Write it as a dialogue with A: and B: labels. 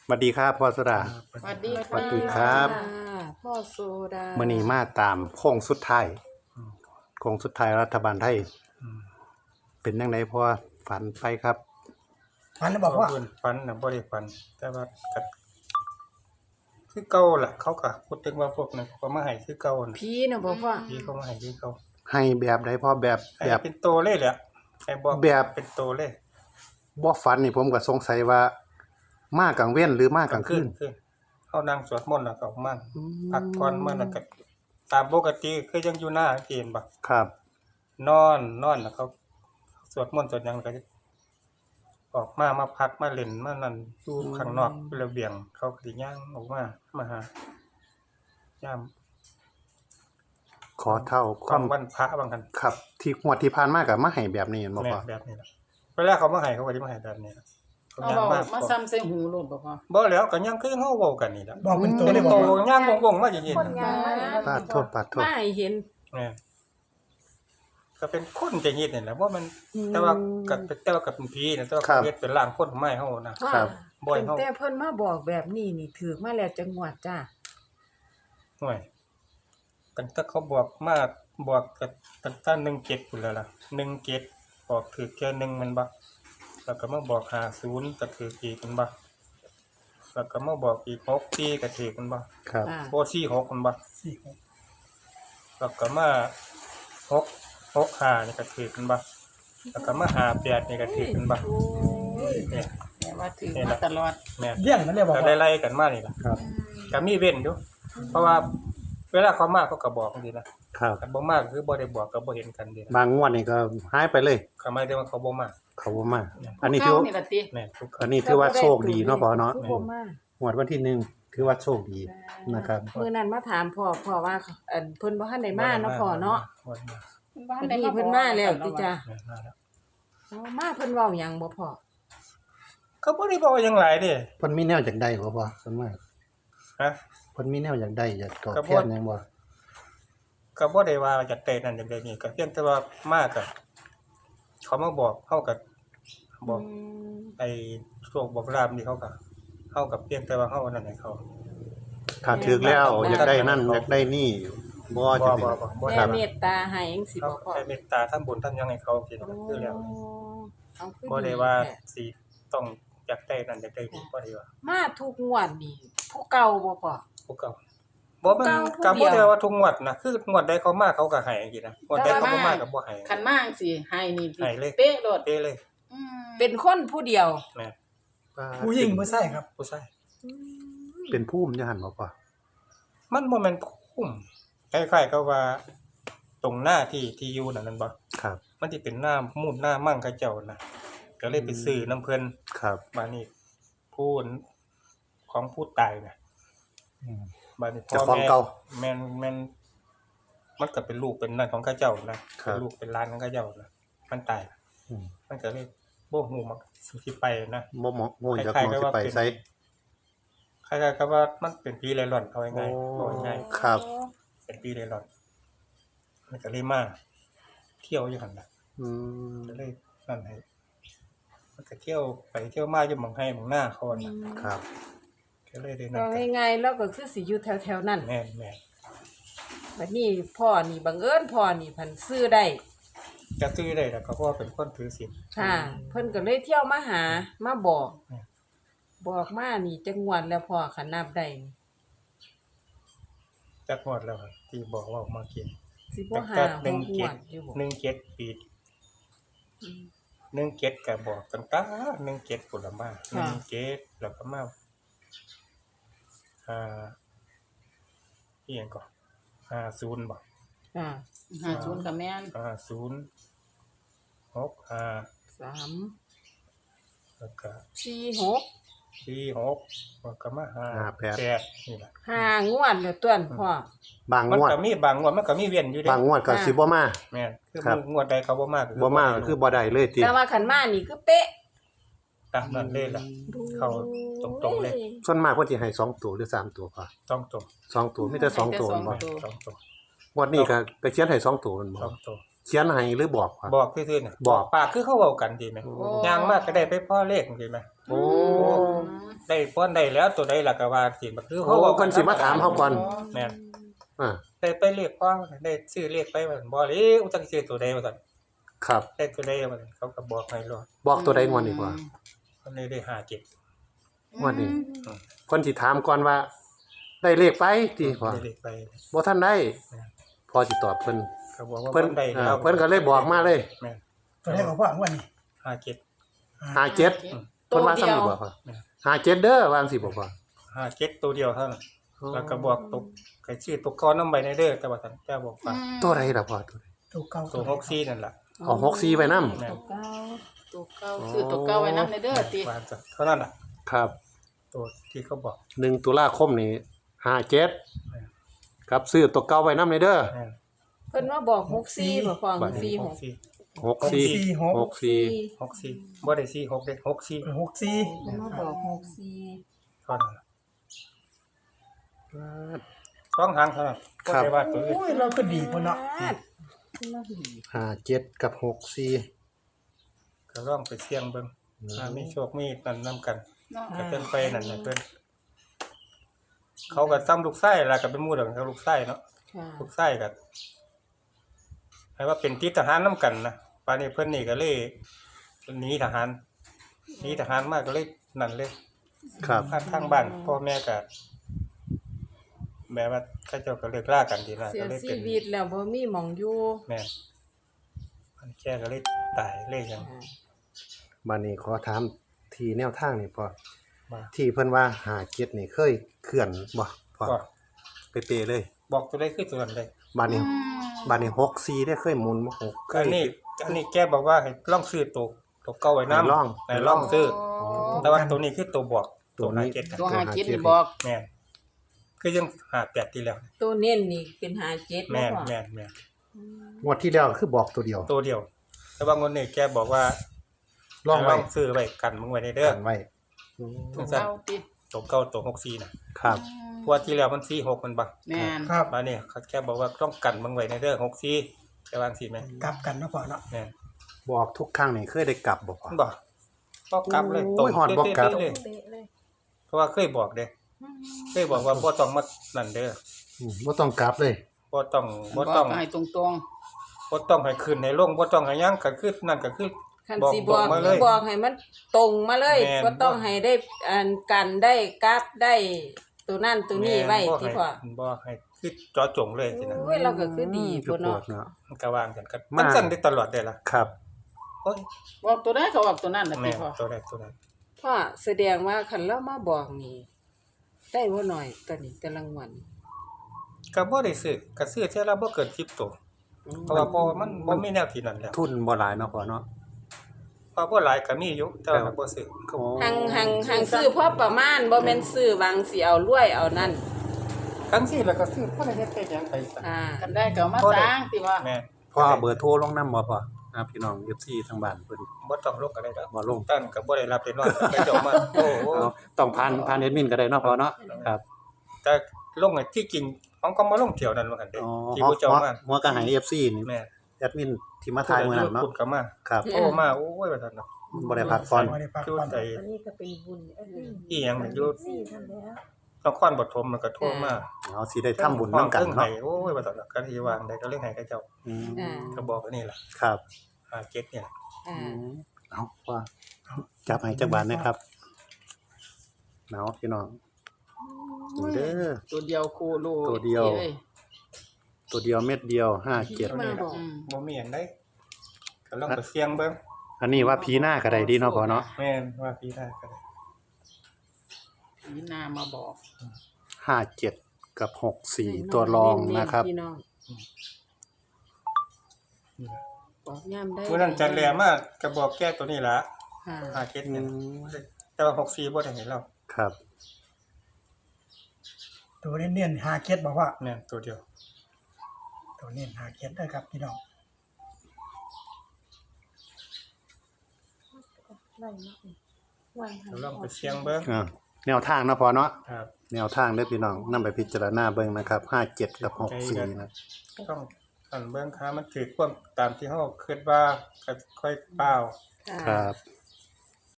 A: สวัสดีครับพ่อโซดา
B: สวัสดี
A: สวัสดีครับ
B: พ่อโซดา
A: มื้อนี้มาตามโค้งสุดท้ายโค้งสุดท้ายรัฐบาลไทยเป็นจังไดพ่อฝันไปครับ
C: ฝันแล้วบอกว่า
D: ฝันน่ะบ่ได้ฝันแต่ว่าก็คือเก่าล่ะเขาก็พูดถึงว่าพวกนั้นเขาก็มาให้คือเก่าน่ะ
B: ผีน่ะบ่พ่อ
D: พี่เขามาให้คือเก่า
A: ให้แบบใดพ่อแบบ
D: ให้
A: แบบ
D: เป็นโตเลยแหละให้บอก
A: แบบ
D: เป็นโตเลย
A: บ่ฝันนี่ผมก็สงสัยว่ามากลางเว้นหรือมากลางคืน
D: คือเฮานั่งสวดมนต์แล้วก็ออกมาพักผ่อนมาแล้วก็ตามปกติคือยังอยู่หน้าเกณฑ์บ่
A: ครับ
D: นอนแล้วเขาสวดมนต์สวดหยังก็จะออกมาพักมาเล่นมานั่นอยู่ข้างนอกระเบียงเขาก็สิย่างออกมาหายาม
A: ขอเท่าคาว
D: ความ มวันพระบางกัน
A: ครับ ที่งวดที่ผ่านมาก็มาให้แบบนี้แม่นบ่
D: แม่
A: พ่อ
D: แบบนี้ล่ะเวลาเขามาให้เขาก็สิมาให้แบบนี้ล่ะเขา
B: เอา
D: ย่าง
B: เว้า
D: มา
B: มาซ้ำใส่หูโลดบ่พ่อ
D: บ่แล้วก็ยังคือเฮาเว้ากันนี่ล่ะ
C: บอกเป็นตัว
D: เป็
C: เลย
D: น
C: บอ
D: โต
C: กว่า
D: ย่างวงๆมาอย่างนี้
B: คนยางมาเลย
A: ปาดโทษปาดโทษ
B: มาให้เห็น
D: แม่ก็เป็นคนจะเฮ็ดนี่แหละว่ามันแต่ว่ากับเป็นผีนะแต่ว่าเฮ็ดเป็นร่างคนไม้เฮานะ
A: ครับ
D: บ่อย
B: ตั้ง
D: เฮา
B: แต่เพิ่นมาบอกแบบนี้นี่ถือมาแล้วจังหวัดจ้า
D: ห่วยกันถ้าเขาบอกกับตั้งแต่17พุ่นแล้วล่ะ17บอกถือแค่1มันบ่แล้วก็มาบอก50ก็ถืออีกมันบ่แล้วก็มาบอกอีก6ปีก็ถือมันบ่
A: ครับ
D: โบ่46มันบ่
C: สี่
D: แล้วก็มา65นี่ก็ถือมันบ่แล้วก็มา58นี่ก็ถือมันบ่
B: โอ้ย
D: เนี่ย
B: แต่ว่าถือมาตลอด
D: แม่น
C: เลี้ยงนั่นเลยบอก
D: ก็
C: ว่า
D: ไล่ๆกันมานี่ล่ะ
A: ครับ
D: ก็มีเว้นอยู่เพราะว่าเวลาเขามาเขาก็บอกจังซี่นะครับ แต่บ่มาก็คือบ่ได้บอกก็บ่เห็นกันเด้
A: บางงวดนี่ก็หายไปเลย
D: เขาหมายถึงว่าเขาบ่มา
A: เขาบ่มาอันนี้ถือ
B: เก่านี่ล่ะติ
D: แม่นทุกค
A: อั
D: น
A: นนี้ถือว่าโชคดีเนาะพ่อเนาะ
B: คือบ่มา
A: งวดวันที่หนึ่งถือว่าโชคดีนะครับ
B: มื้อนั้นมาถามพ่อว่าเพิ่นบ่ทันได้มาเนาะพ่อเนาะ
D: บ่ได้มา
B: อันนี้เพิ่นมาแล้วติจ้า
D: แม่นมาแล้ว
B: เอามาเพิ่นเว้าหยังบ่พ่อ
D: เขาบ่ได้บอกหยังหลายเด้
A: เพิ่นมีแนวอยากได้บ่พ่อส่วนมาก
D: ฮะ
A: เพิ่นมีแนวอยากได้อยากตอบ
D: ก็บ่
A: แทนหยังบ่
D: ก็บ่ได้ว่าจะเตะนั่นอย่างใดนี่ก็เพียงแต่ว่ามาก็เขามาบอกเฮาก็บอกไอ้โชคบอกลาภนี่เขาก็เฮากับเพียงแต่ว่าเฮานั่นให้เขา
A: ถ้าถึกแล้วอยากได้นั่นอยากได้นี่บ่
D: บ่
A: จะ
D: บ่
A: เป็น
D: บ่บ่
B: แม่
D: ทำ
B: เมตตาให้จังซี่
D: เขา
B: บ่พ่อ
D: ได้เมตตาทำบุญทำหยังให้เขากินก็คือแล้ว
B: เอาคือ
D: บ่ได้ว่าสิต้องอยากได้นั่นอยากได้นี่บ่ได้ว่า
B: มาทุกงวดนี่ผู้เก่าบ่พ่อ
D: ผู้เก่าบ่มัน
B: เก่าผู้
D: ก็
B: เดี
D: บ่
B: ยว
D: ได้ว่าทุกงวดนะคืองวดใดเขามาเขาก็ให้จังซี่นะงวดใดเขาบ่มาก็บ่ให้
B: คันมาจังซี่ให้นี่
D: ให้เลย
B: เป๊ะโลด
D: เด้เลย
B: เป็นคนผู้เดียว
D: แม่
C: ผู้หญิงผู้ชายครับ
D: ผู้ชาย
A: เป็นภูมิอยู่หั่นบ่พ่อ
D: มันบ่แม่นคุ้มคล้ายๆกับว่า ตรงหน้าที่อยู่นั่นบ่
A: ครับ
D: มันสิเป็นหน้ามูลหน้ามั่งเขาเจ้านะก็เลยไปซื้อน้ำเพิ่น
A: ครับ
D: มานี่ผู้ของผู้ตายน่ะ
A: อืม
D: บัดนี้
A: เจ้าของเก่า
D: แม่นมันก็เป็นลูกเป็นนั่นของเขาเจ้านะครับ เป็นลูกเป็นหลานของเขาเจ้านะมันตาย
A: อืม
D: มันก็เลยบ่ฮู้มักสิไปนะ
A: บ่เหมาะโง่จาก
D: คล้าย
A: ม
D: ๆ
A: อง
D: กับ
A: สิ
D: ว่า
A: ไป
D: เป็น
A: ไส
D: คล้ายๆกับว่ามันเป็นผีเร่ร่อนเอาง่ายๆ
A: โอ้
D: เอาง่าย
A: ครับ
D: ๆเป็นผีเร่ร่อนมันก็เลยมาเที่ยวอยู่หั่นน่ะ
A: อืม
D: ก็เลยนั่นให้มันก็เที่ยวไปเที่ยวมาอยู่หม่องให้หม่องหน้าเขาน่ะ
A: ครับ
D: ก็เลยได้นั่
B: ก็
D: นกัน
B: ง่ายๆแล้วก็คือสิอยู่แถวๆนั้น
D: แม่น
B: บัดนี้พ่อนี่บังเอิญพ่อนี่เพันซื้อได้
D: ๆก็ซื้อได้แล้วก็เพราะว่าเป็นคนถือศีล
B: ค่ะ เพิ่นก็เลยเที่ยวมาหามาบอก
D: อืม
B: บอกมานี่จังหวัดแล้วพ่อคันนับได้นี่
D: จักงวดแล้วครับที่บอกว่าออกมากิน
B: สิบ่หา
D: แต่
B: หกงวดอยู่บ่
D: 17ปี17ก็บอกตั้งแต่17พุ่นละมา17แล้วก็มาอีหยังก็50บ่
B: ค่ะ
E: 50กับแม่น
D: 50 65 แล้วก็
B: 3 4
D: 46แล้วก็มา58นี่ล่ะ
B: 6 5งวดแล้วต้วนพ่อบ
A: าง
D: มัน
A: งวด
D: ก็มีบางงวดมันก็มีเว้นอยู่เด้
A: บางงวดก็สิบ่มา
D: แม่นคือ
A: ครับ
D: งวดใดเขาบ่มาก็
A: บ่มาก็คือบ่ได้เลยติ
B: แต่ว่าคันมานี่คือเป๊ะ
D: ตามนั้นเลยล่ะ เข้าตรงๆเลย
A: ส่วนมากเพิ่นสิให้2ตัวหรือ3ตัวพ่อ
D: ต้องตรง
A: 2ตัวมีแต่2ตัวบ่
D: ต้องตรง
A: งวดนี้ก็เขียนให้2ตัวแม่นบ่
D: ต้องตรง
A: เขียนให้หรือบอกครับ
D: บอกซื่อๆน่ะ
A: บอก
D: ปากคือเขาเว้ากันดีไหม
A: โอ้
D: ย่างมากก็ได้ไปพ่อเลขดีไหม
A: โอ้
B: อ
D: ได้ป้อนได้แล้วตัวใดล่ะก็ว่าสิมันคือ
A: โอ้เพิ่นสิมาถามเฮาก่อน
D: แม่น
A: อ่า
D: ได้ไปเรียกพ่อได้ซื้อเรียกไปว่าบ่เลยอุจักซื้อตัวใดว่าซั่น
A: ครับ
D: ได้ตัวใดว่าซั่นเขาก็บอกให้รอ
A: บอกตัวใดงวดนี่พ่อ
D: คนนี้ได้57
A: งวดนี้เพิ่นสิถามก่อนว่า ได้เลขไปติพ่อ
D: ได้เรียกไป
A: บ่ทันได้พอสิตอบเพิ่น
D: เขาบอกว่า
A: เพิ่น
D: ได้แล้ว
A: เพิ่นก็เลยบอกมาเลย
D: แม่น
C: ตัวได้บอกว่าวันนี้
D: 57
A: 57เพิ่นว่าซ้ำนี่บ่พ่อ57เด้อวาจังสิบ่พ่อ
D: 57ตัวเดียวเท่านั้นแล้วก็บอกตกใครชื่อตกก้อนนำใบในเด้อแต่ว่าซั่นแกบอกว่า
A: ตัวใดล่ะพ่อตัวใด
C: ตัวเก่า
D: ตัว64นั่นล่ะ
A: เอา64ไว้นำ
D: แม่น
B: ตัวเก้า
E: ตัวเก่าซื้อตัวเก่าไว้นำในเด้อติ
D: ว่าซั่นเท่านั้นล่ะ
A: ครับ
D: ตัวที่เขาบอก
A: 1ตุลาคมนี้57ครับซื้อตัวเก่าไว้นำเด้อ
D: แม่น
B: เพิ่นมาบอก64บ่พ่อ64
D: 64
A: 64 64
D: 64บ่ได้46เด้64
C: 64
B: เพิ่นมาบอก64
D: เท่านั้นล่ะต้องหางเท่านั้นบ่ได้ว่าตัวอื่น
C: โอ้ยเราก็ดีพุ่นเนาะ
A: 57กับ64
D: ก็ลองไปเสี่ยงเบิ่งถ้ามีโชคมีนั่นนํกัน
E: เนาะ
D: ก็เพิ่นไปนั่นน่ะเพิ่นเขาก็ซ้ำลูกไส้ล่ะก็เป็นหมู่เดียวกันกับลูกไส้เนาะ
B: ค่ะ
D: ลูกไส้ก็ให้ว่าเป็นติดทหารนํกันนะป่านนี้เพิ่นนี่ก็เลยหนีทหารมาก็เลยนั่นเลย
A: ครับ
D: ทางบ้านพ่อแม่ก็แบบว่าเขาเจ้าก็เลิกลากันทีละ
B: เสี
D: ก็
B: ย
D: เลย
B: ชี
D: เป็น
B: วิตแล้วบ่มีหม่องอยู่
D: แม่นมันแค่ก็เลยตายเลยจัง
A: บัดนี้ขอถามที่แนวทางนี่พ่อ
D: ว่า
A: ที่เพิ่นว่า57นี่เคยเคลื่อนบ่พ่อ
D: ก็
A: เป๊ะๆเลย
D: บอกตัวได้คือตัวนั้นเลย
A: บัดนี้64ได้เคยหมุนบ่6เค
D: อั
A: ย
D: นนี้แกบอกว่าให้ลองซื้อตัวเก่าไว้นำ
A: ให้ลอง
D: ให้ลองซื้อ
E: อ๋อ
D: แต่ว่าตัวนี้คือตัวบอก
A: ตัวนี้
D: 57กัน
E: ตัวหากินนี่บอก
D: แม่นคือยัง58ที่แล้ว
B: ตัวเน้นนี่เป็น57
D: แม่
B: เนาะ
D: น
B: พ่อ
D: แม่นแม่น
A: งวดที่แล้วคือบอกตัวเดียว
D: ตัวเดียว แต่ว่างนนี้แกบอกว่า
A: ลองไว้
D: ให้ซื้อไว้กันมึงไว้ในเด้อ
A: กันไว้
D: จังซั่น
E: เก่าติ
D: ตัวเก่าตัว64น่ะ
A: ครับ
D: เพราะว่าที่แล้วมัน46มันบ่
E: แม่น
C: ครับ
D: มาเนี่ยเขาแค่บอกว่าต้องกันมึงไว้ในเด้อ64จะวางสิแม่
C: กลับกันเนาะพ่อเนาะ
D: แม่น
A: บอกทุกครั้งนี่เคยได้กลับบ่พ่อ
D: บ่ก็กลับเลย
A: โอ้ยฮอดบ่กลับ
D: เลย
B: เป๊ะเลย
D: เพราะว่าเคยบอกเด้เคยบอกว่าบ่ต้องมานั่นเด้อ
A: บ่ต้องกลับเลย
D: บ่ต้อง
E: บ
D: บ่
E: อก
D: ต้อง
E: ให้ตรง
D: บ่ต้องให้ขึ้นในโรงบ่ต้องให้หยังก็คือนั่นก็คือ
B: คัน
D: บอก
B: สิบอก
D: มาเลย
B: บอกให้มันตรงมาเลย
D: แม่น
B: บ่ต้องให้ได้อันกันได้กราฟได้ตัวนั่นตัวนี้ไว้
D: บ่
B: ที่
D: ให้
B: พ่อ
D: บ่ให้คือเจาะจงเลยสินะ
B: โอ้ยเราก็คือดี
A: คือ
B: พุ่น
A: โพ
B: เนาะ
A: ดเนาะ
D: มันก็วางกันกันมันสั่นได้ตลอดได้ล่ะ
A: ครับ
D: โอ้ย
E: ๆบอกตัวใดก็บอกตัวนั้นน่ะ
D: แม่
E: ติพ่อ
D: ตัวใดตัวนั้น
B: พ่อแสดงว่าคันเรามาบอกนี่ได้บ่น้อยตอนนี้แต่รางวัล
D: ก็บ่ได้ซื้อก็ซื้อเท่าละบ่เกิน10ตัวเพราะว่ามันบ่มีแนวที่นั่นแล้ว
A: ทุนบ่หลายเนาะพ่อเนาะ
D: พอบ่หลายก็มีอยู่แต่ว่าบ่ซื้อ
A: โอ้
B: หังซื้อพอประมาณบ่แม่นซื้อบางสิเอารวยเอานั่น
D: ทั้งสิแล้วก็ซื้อบ่ได้เฮ็ดไปหยังไปซะ
B: อ่า
E: กันได้ก็เอามาสร้างติว่า
D: แม่
A: พ่อเอาเบอร์โทรลงนำบ่พ่อพี่น้อง FC ทางบ้านเพิ่น
D: บ่ต้องลงก็ได้ดอก
A: บ่ลง
D: ตั้นก็บ่ได้รับได้นอนไปเจ้ามาโอ้โห
A: เอาต้องผ่านแอดมินก็ได้เนาะพ่อเนาะครับ
D: แต่ลงไอ้ที่จริงของก็มาลงเที่ยวนั้นว่ากันเด้
A: อ๋อ
D: ที่ผู้เจ้ามา
A: หัวก็ให้ FC นี่
D: แม่
A: แอดมินที่มาถ่ายมื้อนั้นเนาะ
D: พูดก็มา
A: ครับ
D: โอ้มาโอ้ยว่าซั่นเนาะ
A: บ่ได้พักผ่อน
C: บ่ได้พัก
D: อยู่
C: ผ่อน
D: ไส
B: อันนี้ก็เป็นบุญอันนี้
D: อีหยังมันอยู่
B: สี่ท่านแล้ว
D: นครปฐมมันก็โทรมา
A: เอาสิได้ทำบุญนำกัน
D: เนาะ
A: เนาะ
D: โอ้ยว่าซั่นเนาะก็ที่วางได้ก็เรื่องให้เขาเจ้า
A: อืม
B: อ่า
D: ก็บอกว่านี่ล่ะ
A: ครับ
D: 57เนี่ย
B: อ่า
A: เอาว่าจับให้จักบาทนะครับเอาพี่น้องนี่เด้อ
E: ตัวเดียวโคโล
A: ตัวเดียว
E: อ้
A: ตัวเดียวเม็ดเดียว57
B: มาบอก
E: อืม
D: บ่มีหยังได้ก็ลองไปเสี่ยงเบิ่ง
A: อันนี้ว่าผีหน้าก็ได้ดีเนาะพ่อเนาะ
D: แม่นว่าพี่ได้ก็ได้
E: ผีนามาบอก
A: 57กับ64ตัวรองนะครับ
B: พี่น้องบอกย่ำได้
D: มื้อนั้นจันแลมาก็บอกแก้ตัวนี้ล่ะ
B: ค่ะ
D: 57เนี่ยแต่ว่า64บ่ได้ให้เรา
A: ครับ
C: ตัวเน้นๆ57บอกว่า
D: แม่นตัวเดียว
C: ตัวเน้น57เด้อครับพี่น้อง
D: ลองไปเสี่ยงเบิ่ง
A: แนวทางเนาะพ่อเนาะ
D: ครับ
A: แนวทางเด้อพี่น้องนำไปพิจารณาเบิ่งนะครับ57กับ64นะ
D: ต้องอันเบิ่งค่ามันถือความตามที่เฮาคิดว่าก็ค่อยเปล่า
A: ครับ